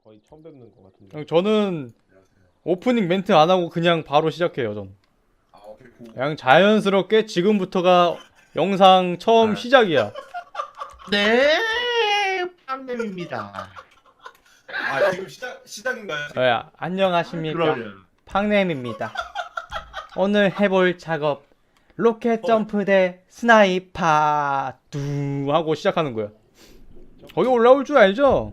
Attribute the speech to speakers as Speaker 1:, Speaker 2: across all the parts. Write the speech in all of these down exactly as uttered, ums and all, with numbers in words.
Speaker 1: 거의 처음 뵙는 것 같은데.
Speaker 2: 형, 저는 오프닝 멘트 안 하고 그냥 바로 시작해요. 전
Speaker 3: 아, 오케이, 고.
Speaker 2: 그냥 자연스럽게 지금부터가 영상 처음
Speaker 4: 네.
Speaker 2: 시작이야.
Speaker 4: 네, 빵냄입니다.
Speaker 3: 아, 지금 시작 시작인가요? 지금?
Speaker 2: 네, 안녕하십니까.
Speaker 4: 그럼요.
Speaker 2: 팡냄입니다. 오늘 해볼 작업 로켓 점프 대 스나이파 두 하고 시작하는 거야. 거기 올라올 줄 알죠?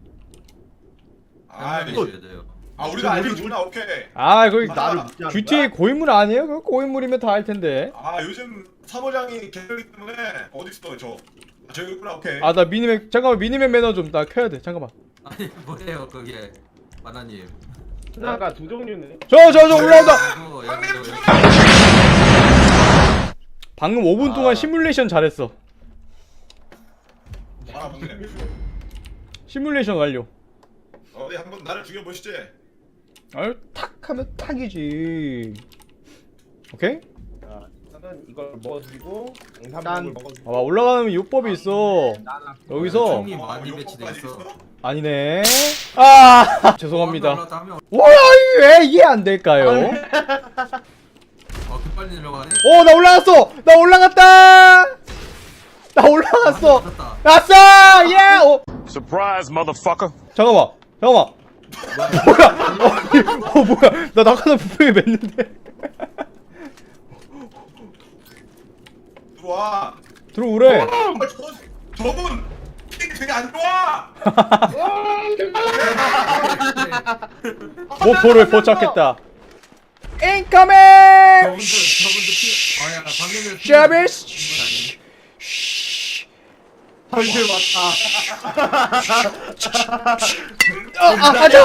Speaker 3: 아,
Speaker 4: 이거-
Speaker 3: 이거 아, 우리가 알려주나? 오케이.
Speaker 2: 아 거기
Speaker 3: 아,
Speaker 4: 나를 묻지 않는
Speaker 2: 지티에이 고인물 아니에요? 그 고인물이면 다 알 텐데.
Speaker 3: 아, 요즘 사모장이 개설이기 때문에 어디 있어 저? 아, 저기 있구나. 오케이.
Speaker 2: 아 나 미니맵 잠깐만 미니맵 매너 좀 나 켜야 돼. 잠깐만.
Speaker 5: 아니 뭐예요 그게 마나님.
Speaker 1: 스나가 두 종류네.
Speaker 2: 저 저 저 올라온다.
Speaker 5: 이거 여기 여기.
Speaker 2: 방금 오 분 동안
Speaker 3: 아.
Speaker 2: 시뮬레이션 잘했어.
Speaker 3: 아, 먹네.
Speaker 2: 시뮬레이션 완료.
Speaker 3: 어디 한번 나를 죽여보시지.
Speaker 2: 아유 탁 하면 탁이지. 오케이?
Speaker 1: 자, 일단은 이걸 먹어주고
Speaker 4: 난-
Speaker 1: 양삼육을 먹어주고.
Speaker 2: 아 올라가면 요법이 있어. 여기서
Speaker 5: 총이
Speaker 3: 어,
Speaker 5: 많이
Speaker 3: 요거까지
Speaker 5: 배치돼 있어.
Speaker 3: 있어?
Speaker 2: 아니네. 아 죄송합니다.
Speaker 5: 올라갔다 하면
Speaker 2: 뭐야 왜 이해 안 될까요?
Speaker 5: 어 급빨리 내려가네.
Speaker 2: 오 나 올라갔어. 나 올라갔다. 나 올라갔어.
Speaker 5: 맞았다.
Speaker 2: 났어. 예. 오.
Speaker 6: Surprise, motherfucker.
Speaker 2: 잠깐만. 잠깐만. 뭐야? 어 뭐야? 나 낙하산 분명히 맸는데.
Speaker 3: 들어와.
Speaker 2: 들어오래.
Speaker 3: 아, 저 저분 픽 되게 안 좋아.
Speaker 2: 모포를 포착했다. 인커밍.
Speaker 5: 저분들 저분들 피. 아야 방금
Speaker 2: 샤비스.
Speaker 4: 헐들 왔다.
Speaker 2: 아 가자.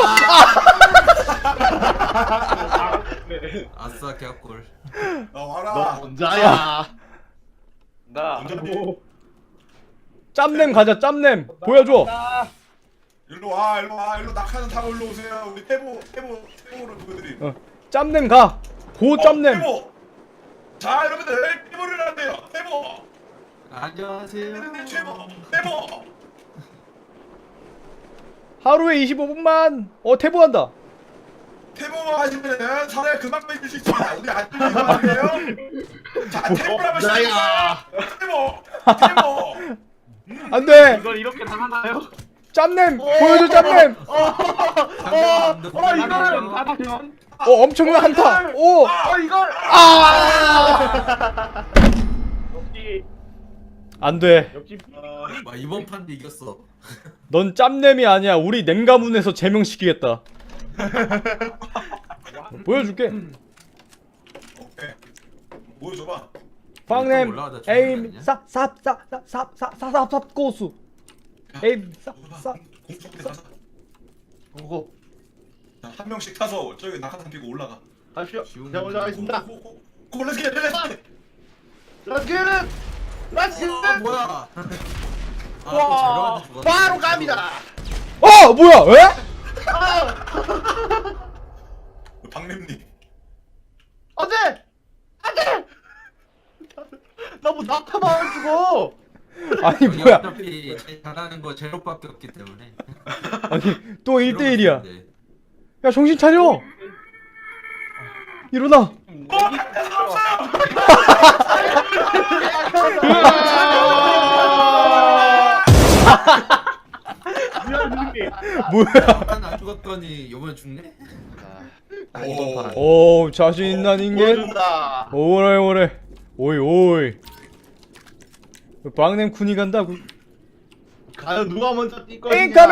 Speaker 5: 아싸 개꿀.
Speaker 3: 나
Speaker 4: 너
Speaker 3: 와라.
Speaker 4: 혼자야.
Speaker 1: 나.
Speaker 3: 운전비.
Speaker 2: 짬냄 가자. 짬냄 보여줘.
Speaker 3: 일로 와, 일로 와, 일로 낙하산 타고 일로 오세요. 우리 태보, 태보, 태보를 보여드림.
Speaker 2: 어. 짬냄 가. 고
Speaker 3: 어,
Speaker 2: 짬냄.
Speaker 3: 태보. 자, 여러분들 태보를 한대요. 태보.
Speaker 5: 안녕하세요.
Speaker 3: 태보, 태보.
Speaker 2: 하루에 이십오 분만. 어 태보한다.
Speaker 3: 태보 하시면은 사례 금방 빼줄 수 있습니다. 우리 안 들리는 거 아니에요? 자, 태보 한번
Speaker 4: 나야.
Speaker 3: 시작해봐. 태보, 태보.
Speaker 2: 안 돼.
Speaker 1: 이걸 이렇게 당하나요?
Speaker 2: 짬냄 보여줘 짬냄.
Speaker 5: 어
Speaker 1: 이거는 받으면.
Speaker 2: 어 엄청난 한타. 오.
Speaker 1: 아 이걸.
Speaker 2: 아.
Speaker 1: 역시
Speaker 2: 안 돼.
Speaker 1: 역시.
Speaker 5: 와 이번 판도 이겼어.
Speaker 2: 넌 짬냄이 아니야. 우리 냉가문에서 제명시키겠다. 보여줄게.
Speaker 3: 오케이. 보여줘봐.
Speaker 2: 빵냄
Speaker 5: 올라가다 죽는 거
Speaker 2: 에임
Speaker 5: 아니냐?
Speaker 2: 쌉쌉쌉쌉쌉쌉쌉 고수. 에임 쌉쌉.
Speaker 3: 공속대 가자.
Speaker 4: 오고.
Speaker 3: 자, 한 명씩 타서 저기 낙하산 피고 올라가.
Speaker 4: 가시오.
Speaker 5: 쉬운
Speaker 4: 제가 먼저
Speaker 5: 문제고.
Speaker 4: 하겠습니다.
Speaker 3: 고, 고, 고, 렛츠 겟, 렛츠 겟.
Speaker 4: Let's get it. Let's get
Speaker 5: 아
Speaker 4: it.
Speaker 5: 뭐야? 아,
Speaker 4: 와,
Speaker 5: 또 자료한테 죽었네.
Speaker 4: 바로 갑니다.
Speaker 2: 어 뭐야 왜?
Speaker 3: 박냄님.
Speaker 4: 안돼. 안돼. 나뭐 낙하만 죽어.
Speaker 2: 아니
Speaker 5: 여기
Speaker 2: 뭐야?
Speaker 5: 어차피 제일 잘하는 거 제로밖에 없기 때문에.
Speaker 2: 아니 또 일 대 일이야.
Speaker 5: 이러면
Speaker 2: 야 정신 차려. 일어나. 뭐야?
Speaker 5: 한안 죽었더니 이번에 죽네?
Speaker 4: 아, 이번 판.
Speaker 2: 오 자신 있는 인간.
Speaker 4: 보여준다.
Speaker 2: 오래 오래. 오이 오이. 빵냄 군이 간다고.
Speaker 4: 과연 누가 먼저 뛸 것이냐.
Speaker 2: 인커밍.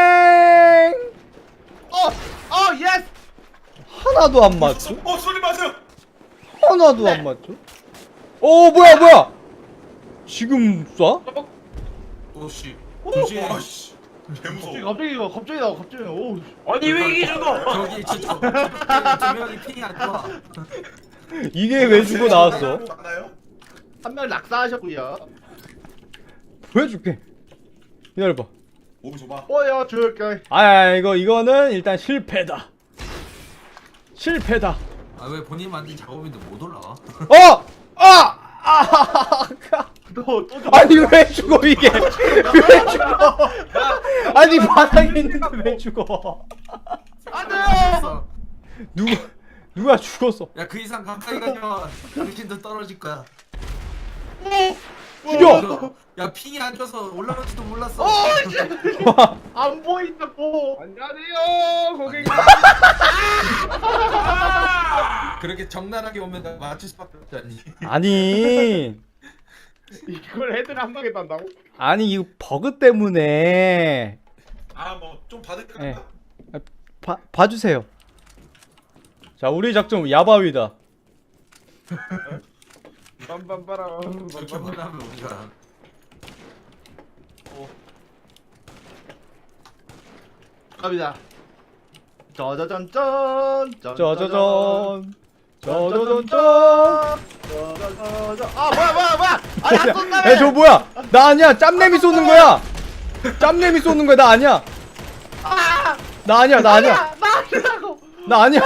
Speaker 4: 어, 어, 예스.
Speaker 2: 하나도 안 맞죠?
Speaker 3: 어, 소리 마세요.
Speaker 2: 하나도 안 맞죠? 오 뭐야 뭐야? 지금 쏴?
Speaker 5: 오씨.
Speaker 3: 오,
Speaker 5: 조심.
Speaker 3: 와, 씨. 개무서워.
Speaker 4: 갑자기 가, 갑자기 나, 갑자기. 오.
Speaker 1: 아니 왜 이게 죽어?
Speaker 5: 저기 진짜 두 명이 핑이 안 좋아.
Speaker 2: 이게 왜 주고 나왔어?
Speaker 3: 맞나요?
Speaker 4: 한 명 낙사하셨고요.
Speaker 2: 보여줄게. 기다려봐.
Speaker 3: 보여줘봐.
Speaker 4: 보여줄게.
Speaker 2: 아 이거 이거는 일단 실패다. 실패다.
Speaker 5: 아 왜 본인 만든 작업인데 못 올라와?
Speaker 2: 어! 아! 아!
Speaker 4: 또또 죽어.
Speaker 2: 아니 왜 죽어 이게? 왜 죽어? 아니 바닥에 있는데 왜 죽어?
Speaker 4: 안 돼요.
Speaker 2: 누가 누가 죽었어?
Speaker 5: 야그 이상 가까이 가면 당신도 떨어질 거야.
Speaker 2: 죽여!
Speaker 5: 야 핑이 안 줘서 올라갈지도 몰랐어.
Speaker 4: 안 보인다고.
Speaker 1: 안녕하세요 고객님.
Speaker 5: 그렇게 적나라하게 오면 나 맞출 수밖에 없잖니.
Speaker 2: 아니
Speaker 1: 이걸 헤드를 한 방에 딴다고?
Speaker 2: 아니 이 버그 때문에
Speaker 3: 아 뭐 좀 받을까?
Speaker 2: 예. 봐 봐주세요. 자 우리 작전 야바위다.
Speaker 1: 빰빰빠람.
Speaker 5: 저렇게 말하면 우리가
Speaker 4: 갑니다. 짜자잔짠.
Speaker 2: 짜자잔 짜자잔짠.
Speaker 4: 짜자자잔. 아 뭐야 뭐야 뭐야. 아니 안 쏜다며.
Speaker 2: 에저 뭐야? 나 아니야. 짬내미 쏘는 거야. 짬내미 쏘는 거야. 나 아니야.
Speaker 4: 아!
Speaker 2: 나 아니야. 나 아니야.
Speaker 4: 나 아니라고.
Speaker 2: 나 아니야.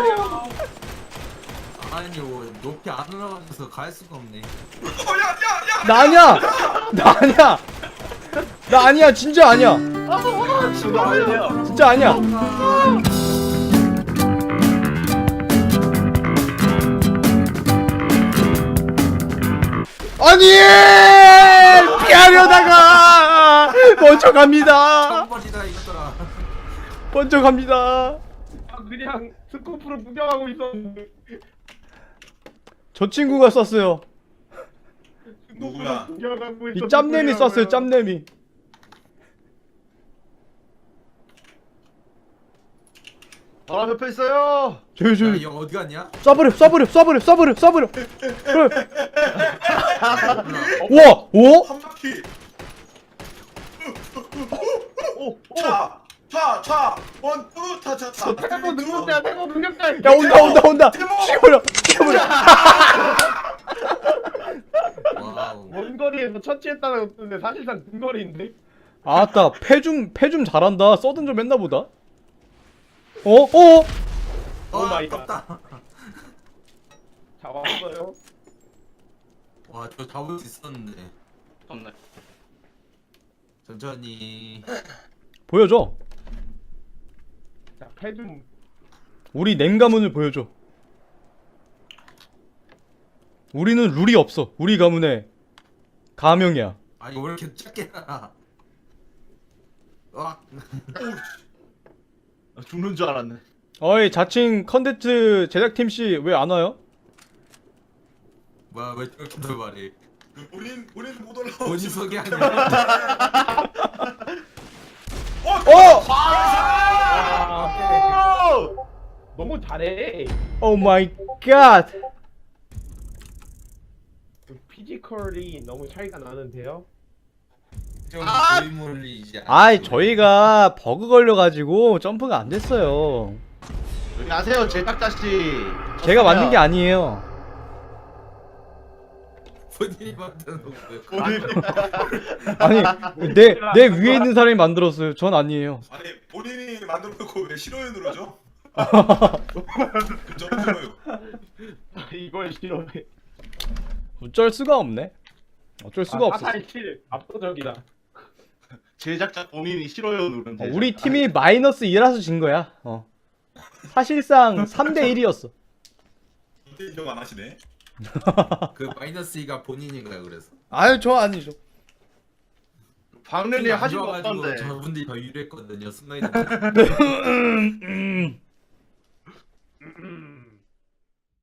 Speaker 5: 아니 뭐 높이 안 올라가서 갈 수가 없네.
Speaker 3: 어야야야
Speaker 2: 나 아니야. 나 아니야. 나 아니야. 진짜 아니야.
Speaker 4: 아 진짜.
Speaker 2: 진짜 아니야. 아니 피하려다가 먼저 갑니다.
Speaker 5: 처음버리다 이거더라.
Speaker 2: 먼저 갑니다.
Speaker 1: 아, 그냥 스코프로 구경하고 있었는데.
Speaker 2: 저 친구가 썼어요.
Speaker 3: 누구야?
Speaker 1: 구경하고
Speaker 2: 이
Speaker 1: 있었는데
Speaker 2: 짬내미 썼어요.
Speaker 1: 뭐야.
Speaker 2: 짬내미.
Speaker 4: 바로 옆에 있어요.
Speaker 2: 저기
Speaker 5: 야,
Speaker 2: 저기
Speaker 5: 이 형 어디 갔냐?
Speaker 2: 쏴버려 쏴버려 쏴버려 쏴버려 쏴버려. 와 오?
Speaker 3: 한 바퀴.
Speaker 4: 오, 오.
Speaker 3: 차, 차, 차. 원, 투, 차, 차, 차.
Speaker 1: 태보 능력자야 태보 능력자.
Speaker 2: 야 온다 온다 온다. 죽여버려 죽여버려.
Speaker 5: 와우.
Speaker 1: 먼 거리에서 처치했다는 건데 사실상 근거리인데.
Speaker 2: 아따 패좀 패 좀 잘한다. 써든 좀 했나 보다. 어? 어?
Speaker 1: 오 마이 갓.
Speaker 5: 아깝다.
Speaker 1: 잡았어요.
Speaker 5: 와, 저 잡을 수 있었는데.
Speaker 1: 없네.
Speaker 5: 천천히.
Speaker 2: 보여줘.
Speaker 1: 자, 패좀
Speaker 2: 우리 냉가문을 보여줘. 우리는 룰이 없어. 우리 가문의 가명이야.
Speaker 5: 아니, 왜 이렇게 작게 나? 와.
Speaker 4: 아, 죽는 줄 알았네.
Speaker 2: 어이 자칭 컨텐츠 제작팀 씨 왜 안 와요?
Speaker 5: 뭐야, 왜 저렇게 더 말해?
Speaker 3: 그 본인, 본인 못 올라오지.
Speaker 5: 본인 소개 아니야?
Speaker 2: 어!
Speaker 1: 아, 너무 잘해.
Speaker 2: 오 마이 갓.
Speaker 1: 그 피지컬이 너무 차이가 나는데요.
Speaker 5: 좀
Speaker 4: 아!
Speaker 5: 고인물이지 않아?
Speaker 2: 아이 저희가 버그 걸려가지고 점프가 안 됐어요.
Speaker 4: 여기 아세요 제작자 씨.
Speaker 2: 제가 만든 게 아니에요.
Speaker 5: 본인이 만든 거고요.
Speaker 2: 아니 내 내 위에 있는 사람이 만들었어요. 전 아니에요.
Speaker 3: 아니 본인이 만들어놓고 왜 싫어요 누르죠? 그점 싫어요.
Speaker 1: 이걸 싫어해.
Speaker 2: 어쩔 수가 없네. 어쩔 수가 없어.
Speaker 1: 사탈칠 압도적이다.
Speaker 4: 제작자 본인이 싫어요 누른.
Speaker 2: 어, 우리 팀이 마이너스 이라서 진 거야. 어. 사실상 삼 대 일이었어.
Speaker 3: 그때 인정 안 하시네.
Speaker 5: 그 마이너스 이가 본인인가요, 그래서?
Speaker 2: 아유 저 아니죠.
Speaker 4: 박래님 하신 거
Speaker 5: 좋아가지고
Speaker 4: 없던데.
Speaker 5: 저분들이 더 유리했거든요, 순간이.